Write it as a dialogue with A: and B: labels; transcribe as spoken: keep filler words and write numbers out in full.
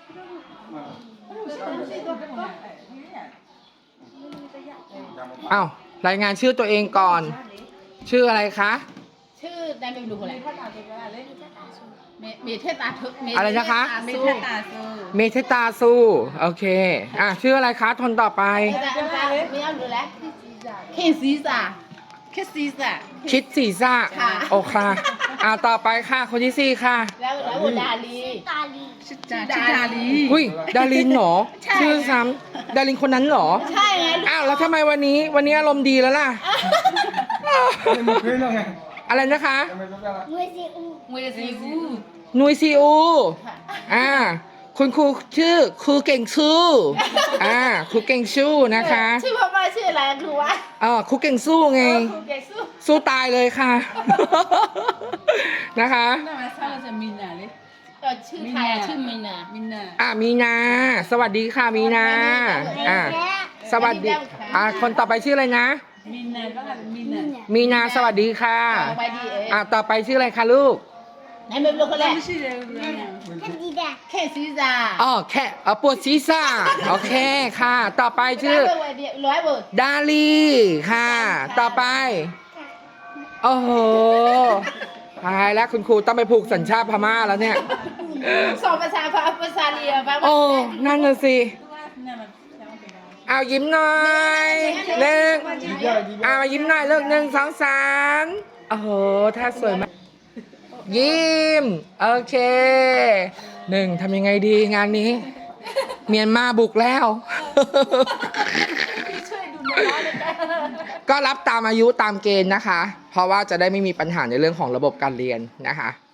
A: อ้าวรายงานชื่อตัวเองก่อน ชื่ออะไรคะ
B: ชื่อได้ไม่รู้อะไรเมเทตาทุเม
A: อะไรนะคะ
B: เมเทตาซู
A: เมเทตาซูโอเคอ่ะชื่ออะไรคะทนต่อไป
B: ไม่เอาดูแลเคซีซ่าเคซีซ่า
A: ชิดสีซ่า
B: ค่ะ
A: โอค่ะอ่ะต่อไปค่ะคนที่สี่ค่ะ
B: แล้วแล้วดาลี
C: ตาลี
B: ชื่อดาลี
A: อุ้ยดารินเหรอ
B: ใช่
A: ชื่อซ้ำดารินคนนั้นเหรอ
B: ใช่ไง
A: อ้าวแล้วทำไมวันนี้วันนี้อารมณ์ดีแล้วล่ะ อะไรนะคะ
C: มวยซีอู
B: มวยซีอู
A: นุยซีอูอ่าคุณครูชื่อครูเก่งชูอ่าครูเก่งชูนะคะ
B: ชื่อพ่อแม่ชื่ออะไรคือว่า
A: เออครูเก่งสู้ไง
B: ครูเกซู
A: สู้ตายเลยค่ะ นะคะ
D: 那完他了是闽南的，
B: ก็ชื่อไทยอะชื่อมินา
D: 闽南。
A: อ่ะมีนา สวัสดีค่ะมีนาอ่ะสวัสดีอ่ะคนต่อไปชื่ออะไรนะ
D: 闽南ก็係闽南。
A: มีนาสวัสดีค่ะ
B: เอาไปดีเอ้ย
A: อ่ะต่อไปชื่ออะไรคะลูก
B: ไหนไม่รู้คนแรก
D: 不是的，
C: คันดีดา
B: เคซีซ่า
A: อ๋อแค่เออปวดศีรษะโอเคค่ะ ต่อไปชื่อ
B: ร้อยเบิร์ด
A: ดาลีค่ะ ต่อไป โอ้โหตายแล้วคุณครูต้องไปผูกสัญชาติพม่าแล้วเนี่ย
B: สองภาษาภาษาเรียแปลว่า
A: โอ้ นั่นน่ะสิ
D: 那麼想要給他。
A: เอายิ้มหน่อยหนึ่งเอามายิ้มหน่อยเลิกหนึ่งสองสามโอ้โหท่าสวยมาก ยิ้ม โอเคหนึ่งทำยังไงดีงานนี้ เมียนมาบุกแล้ว
B: ช่วยดูน้อยเลยกัน
A: ก็รับตามอายุตามเกณฑ์นะคะ เพราะว่าจะได้ไม่มีปัญหาในเรื่องของระบบการเรียนนะคะ